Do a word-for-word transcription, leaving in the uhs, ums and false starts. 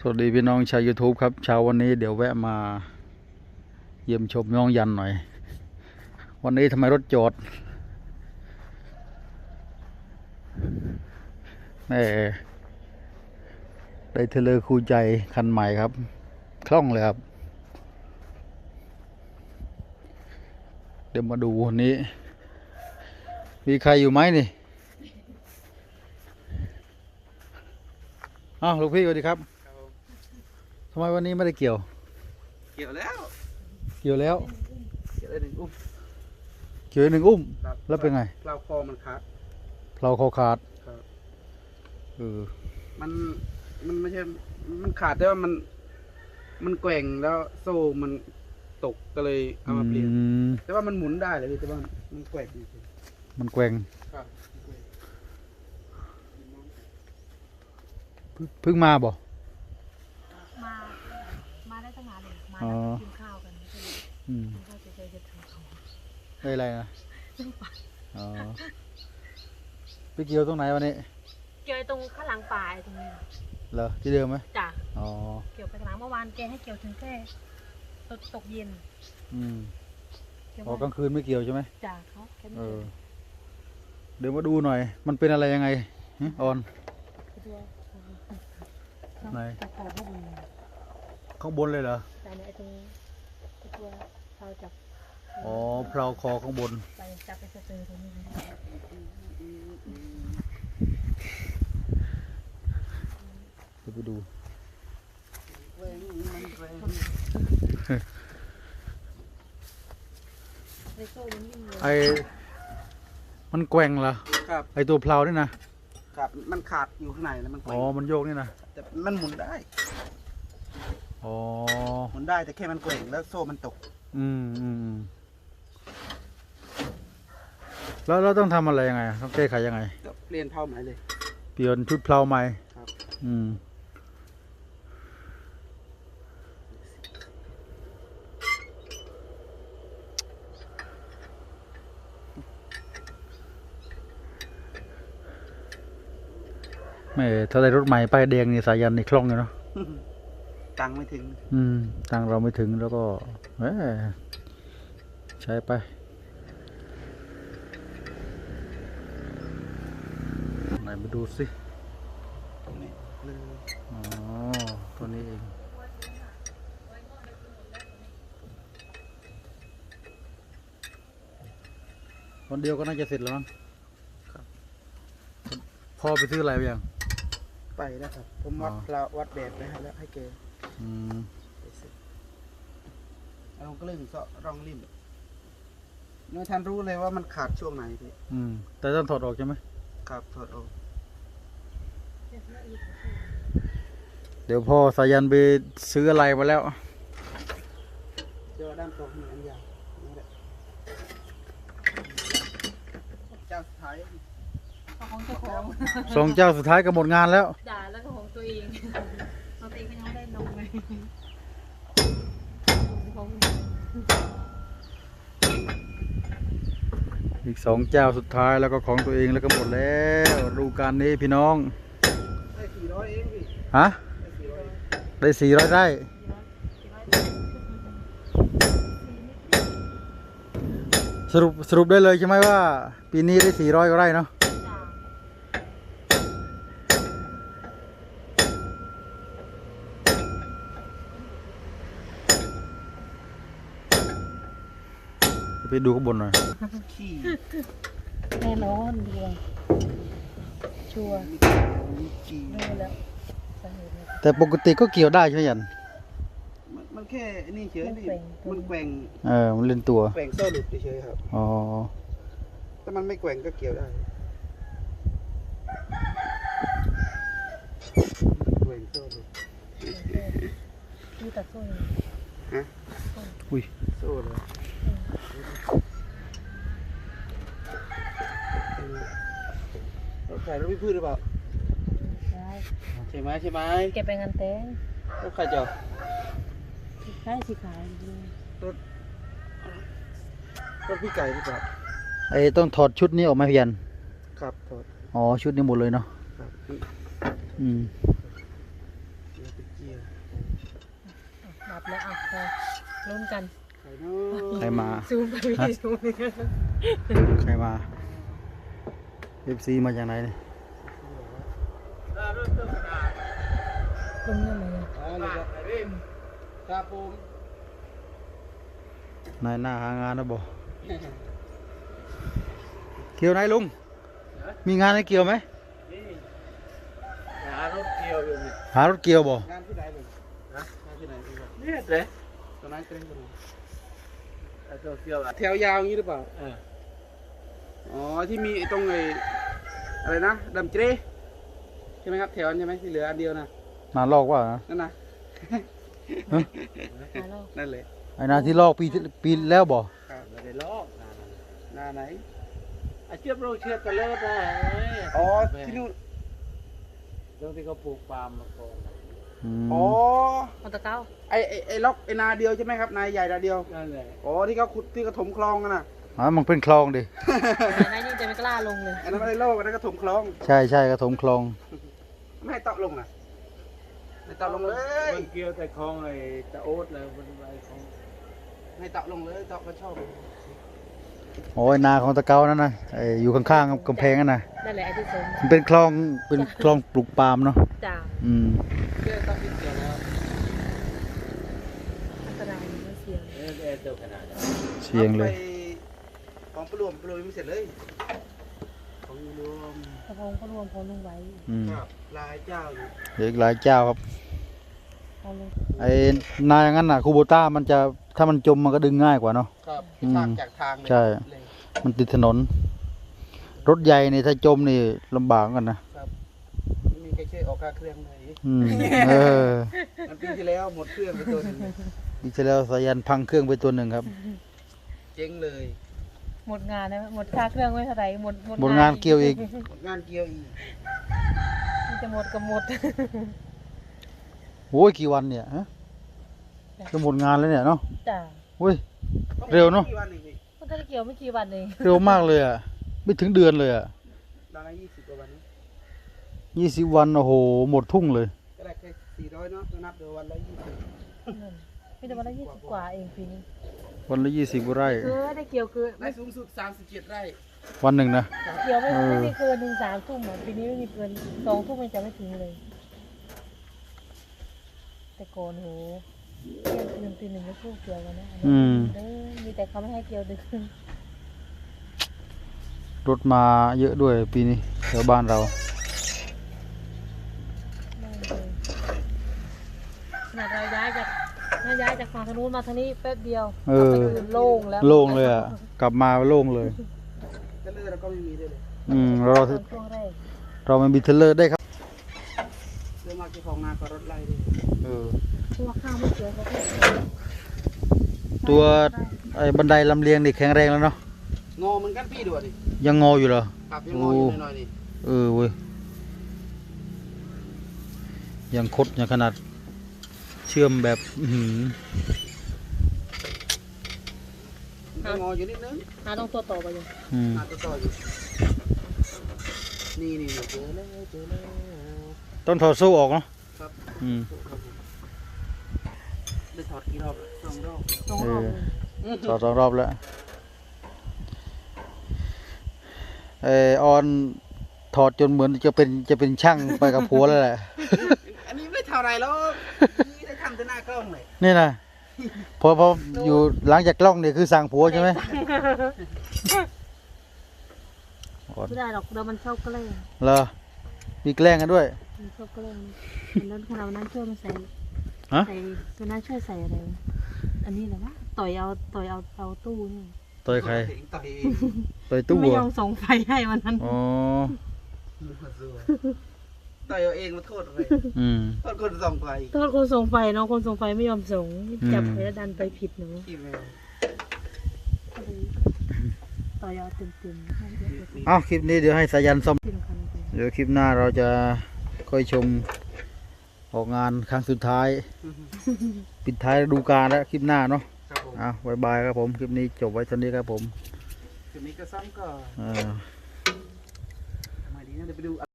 สวัสดีพี่น้องชาว YouTube ครับเช้าวันนี้เดี๋ยวแวะมาเยี่ยมชมน้องยันหน่อย วันนี้ทำไมรถจอดแม่ได้เทเลอร์คู่ใจคันใหม่ครับคล่องเลยครับเดี๋ยวมาดูวันนี้มีใครอยู่ไหมนี่อ้าวลูกพี่สวัสดีครับทำไมวันนี้ไม่ได้เกี่ยวเกี่ยวแล้วเกี่ยวแล้วเกี่ยวได้หนึ่งอุ้มเกี่ยวหนึ่งอุ้มแล้วเป็นไงเราคอมันขาดเราคอขาดเออมันมันไม่ใช่มันขาดแต่ว่ามันมันแกว่งแล้วโซ่มันตกก็เลยเอามาเปลี่ยนแต่ว่ามันหมุนได้เลยแต่ว่ามันแกว่งมันแกว่งเพิ่งมาบ่มา มาได้ตั้งนานเลยมาแล้วกินข้าวกันอืมข้าวเฉยๆจะทำเขาได้อะไรนะอ๋อไปเกี่ยวตรงไหนวันนี้เกี่ยวตรงข้างหลังป่าตรงนี้เหรอที่เดิมไหมจ้ะอ๋อเกี่ยวไปข้างหลังเมื่อวานแกให้เกี่ยวถึงแค่ตกตกเย็นอืมออกกลางคืนไม่เกี่ยวใช่ไหมจ้ะเขาเออเดี๋ยวมาดูหน่อยมันเป็นอะไรยังไงออนไหนข้างบนเลยเหรอแต่ในตรงตัวเราจับอ๋อเพลาคอข้างบนไปจับไปเจอตรงนี้เดี๋ยวไปดูไอมันแกว่งเหรอครับไอตัวเพลานี่นะครับมันขาดอยู่ข้างในแล้วมันอ๋อมันโยกนี่นะแต่มันหมุนได้อ๋อหมุนได้แต่แค่มันแกว่งแล้วโซ่มันตกอืมอืมแล้วเราต้องทำอะไรยังไงต้องแก้ไขยังไงเปลี่ยนเผาใหม่เลยเปลี่ยนชุดเพลาใหม่ครับอืมไม่ถ้าได้รถใหม่ป้ายแดงนี่สายันนี่คล่องอยู่เนาะตังไม่ถึงอืมตังเราไม่ถึงแล้วก็เออใช้ไปไหนมาดูสิตรงนี้เลยอ๋อตัวนี้เองวันเดียวก็น่าจะเสร็จแล้วมั้งครับพ่อไปซื้ออะไรไปยังไปแล้วครับผมวัดเราวัดแบบไปให้แล้วให้เกย์อืมลองกลึงเสาะรองริมเมื่อท่านรู้เลยว่ามันขาดช่วงไหนพี่อืมแต่ต้องถอดออกใช่ไหมครับถอดออกเดี๋ยวพ่อสายันไปซื้ออะไรมาแล้วเจอด้านตรงนี้อันยาวนี่แหละเจ้าสุดท้ายของเจ้าของสองเจ้าสุดท้ายก็หมดงานแล้วด่าแล้วก็ของตัวเองตัวเองก็ยังไม่ได้นมเลยอีกสองเจ้าสุดท้ายแล้วก็ของตัวเองแล้วก็หมดแล้วดูการนี้พี่น้องได้สี่ร้อยเองพี่ฮะได้สี่ร้อยได้สรุปสรุปได้เลยใช่ไหมว่าปีนี้ได้สี่ร้อยก็ได้เนาะไปดูข้างบนหน่อยแน่นอนดีเลยชัวร์รู้แล้วแต่ปกติก็เกี่ยวได้ใช่ไหมยันมันแค่นี่เฉยนี่มันแกว่งเออมันเล่นตัวแกว่งโซ่หลุดเฉยครับอ๋อถ้ามันไม่แกว่งก็เกี่ยวได้แกว่งโซ่หลุดดูแต่โซ่ฮะอุ้ยโซ่เลยใส่รถพิพืชหรือเปล่าใช่ใช่ไหมใช่ไหมเก็บไปงานแต่งรถใครจะใช่สิขายรถรถพี่ไก่หรือเปล่าไอ้ต้องถอดชุดนี้ออกมาเพียนครับถอดอ๋อชุดนี้หมดเลยเนาะครับอืมเกียร์ดับแล้วอ่ะพอลุ้นกันใครเนาะใครมาซูมไปไม่ซูมเลยกันใครมาเอฟซีมาจากไหนเนี่ยลุ้นยังไงเนี่ยอ่าเลยครับเริ่มครับผมนายหน้าหางานนะบอกเกี่ยวไหนลุงมีงานให้เกี่ยวไหมหารถเกี่ยวอยู่นี่หารถเกี่ยวบ่งานที่ไหนเลยนะงานที่ไหนพี่บอกเนี่ยเด้ตอนนั้นเต้นกันไอ้ตัวเกี่ยวอ่ะแถวยาวอย่างนี้หรือเปล่าเอออ๋อที่มีไอ้ตรงไอ้อะไรนะดำเจรใช่ไหมครับแถวนั้นใช่ไหมที่เหลืออันเดียวนะนาลอกว่านะนั่นนะมาแล้วนั่นแหละไอ้นาที่ลอกปีที่ปีแล้วบ่ครับไม่ได้ลอกนะหน้าไหนไอ้เชือกโรคเชือกกระเลิศนะเอ้ยอ๋อที่นู่นตรงที่เขาปลูกปาล์มมาก่อนมอ๋อเอาตะเก้าไอ้ไอ้ไอ้ล็อกไอ้นาเดียวใช่ไหมครับนาใหญ่นาเดียวนั่นแหละอ๋อที่เขาขุดที่เขาถมคลองกันน่ะอ๋อมันเป็นคลองดินายยิ่งจะไม่กล้าลงเลยอันนั้นไม่ได้โลกอันนั้นก็ถมคลองใช่ใช่กระถมคลองไม่ให้เตาะลงนะไม่เตาะลงเลยมันเกี่ยวแต่คลองไอ้ตะโอ๊ตเลยมันไอ้ของไม่เตาะลงเลยเตาะก็ชอบโอ้ยนาของตะเกานั่นนะไอ้อยู่ข้างๆกำแพงนั่นนะนั่นแหละไอ้ที่สมมันเป็นคลองเป็นคลองปลูกปาล์มเนาะจ่าอืมเกี่ยวเตาะที่เกี่ยวแล้วอันตรายไม่เสี่ยงเอ้ยไอ้ตัวขนาดนั้นเสียงเลยไปของปลวมปลวมยังไม่เสร็จเลยของรวมกระพงก็รวมพอลุงไว้อืมครับลายเจ้าอยู่เดี๋ยวอีกหลายเจ้าครับพอลุงไอ้นาอย่างนั้นน่ะคูโบต้ามันจะถ้ามันจมมันก็ดึงง่ายกว่าเนาะครับอืมทางจากทางเลยใช่เลยมันติดถนน รถใหญ่นี่ถ้าจมนี่ลำบากเหมือนกันนะครับไม่มีใครช่วยออกค่าเครื่องเลยอืมเออมันปีที่แล้วหมดเครื่องไปตัวหนึงดีเซลแล้วสายันพังเครื่องไปตัวหนึ่งครับเจ๊งเลยหมดงานนะหมดค่าเครื่องไม่เท่าไหร่หมดหมดงานเกี่ยวอีกหมดงานเกี่ยวอีกมันจะหมดก็หมดโอ้ยกี่วันเนี่ยฮะจะหมดงานแล้วเนี่ยเนาะจ้าโอ้ย เร็วเนอะกี่วันเองพี่มันก็ได้เกี่ยวไม่กี่วันเองเร็วมากเลยอ่ะไม่ถึงเดือนเลยอ่ะตอนนั้นยี่สิบกว่าวันนี้ยี่สิบวันโอ้โหหมดทุ่งเลยก็ได้แค่สี่ร้อยเนาะก็นับเดือนวันละยี่สิบนั่นไม่แต่วันละยี่สิบกว่าเองปีนี้วันละยี่สิบไร่คือได้เกี่ยวคือได้สูงสุดสามสิบเจ็ดไร่วันหนึ่งนะเกี่ยวไม่เออไม่มีเกินหนึ่งสามทุ่มอ่ะปีนี้ไม่มีเกินสองทุ่มมันจะไม่ถึงเลย แต่ก่อนโหเที่ยงคืนตีหนึ่งก็พูดเกี่ยวกันนะอืมเด้อมีแต่เขาไม่ให้เกี่ยวดึกรถมาเยอะด้วยปีนี้แถวบ้านเราไม่เลยขนาดเราย้ายจากถ้าย้ายจากฝั่งทางนู้นมาทางนี้แป๊บเดียวเออกลับไปคืนโล่งแล้วโล่งเลยอ่ะ กลับมาโล่งเลยก็เลยเราก็ไม่มีด้วยเลยอืมเราตอนช่วงแรกเราไม่มีเทรลเลอร์ได้ครับเรื่องมากเจ้าของนาก็รถไล่ด้วยเออตัวข้าวไม่เกี่ยวเขาก็ตัวไอ้บันไดลำเลียงนี่แข็งแรงแล้วเนาะงอเหมือนกันพี่ด้วยดิยังงออยู่เหรอครับยังงออยู่หน่อยๆนี่เออเว้ยยังคดยังขนาดเชื่อมแบบอื้อหือยังงออยู่นิดนึงหาต้องตัวต่อไปอยู่อืมนาตัวต่ออยู่นี่นี่นี่เจอแล้วเจอแล้วต้องถอดโซ่ออกเนาะครับอืมครับผมได้ถอดกี่รอบแล้วสองรอบตรงรอบเลยถอดสองรอบแล้วเออออนถอดจนเหมือนจะเป็นจะเป็นช่างไปกับผัวแล้วแหละอันนี้ไม่เท่าไรหรอกนี่ได้ทำแต่หน้ากล้องเลยนี่นะพอพออยู่หลังจากกล้องเนี่ยคือสั่งผัวใช่ไหมออนไม่ได้หรอกเดี๋ยวมันชอบแกล้งเหรอมีแกล้งกันด้วยมันชอบแกล้งวันนั้นขณะวันนั้นช่วยมันใส่ฮะใส่วันนั้นช่วยใส่อะไรวะอันนี้เหรอวะต่อยเอาต่อยเอาเอาตู้นี่ต่อยใครต่อยเองต่อยตู้ไม่เหรยออมส่งไฟให้วันนั้นอ๋อต่อยเอาเองมาโทษเลยอืมโทษคนส่องไฟโทษคนส่งไฟเนาะคนส่งไฟไม่ยอมส่งอืมจับไปแล้วดันไปผิดหนูอีเมลก็เลยต่อยเอาเต็มๆให้เยอะเอาคลิปนี้เดี๋ยวให้สายันซ่อมๆขึ้นคันไปเดี๋ยวคลิปหน้าเราจะค่อยชมออกงานครั้งสุดท้าย ปิดท้ายฤดูกาลแล้วคลิปหน้าเนาะครับผมอ่ะบายบายครับผม คลิปนี้จบไว้เท่านี้ครับผมคืนนี้ก็ซ้ำก็อ่าทำไมดีนะเดี๋ยวไปดู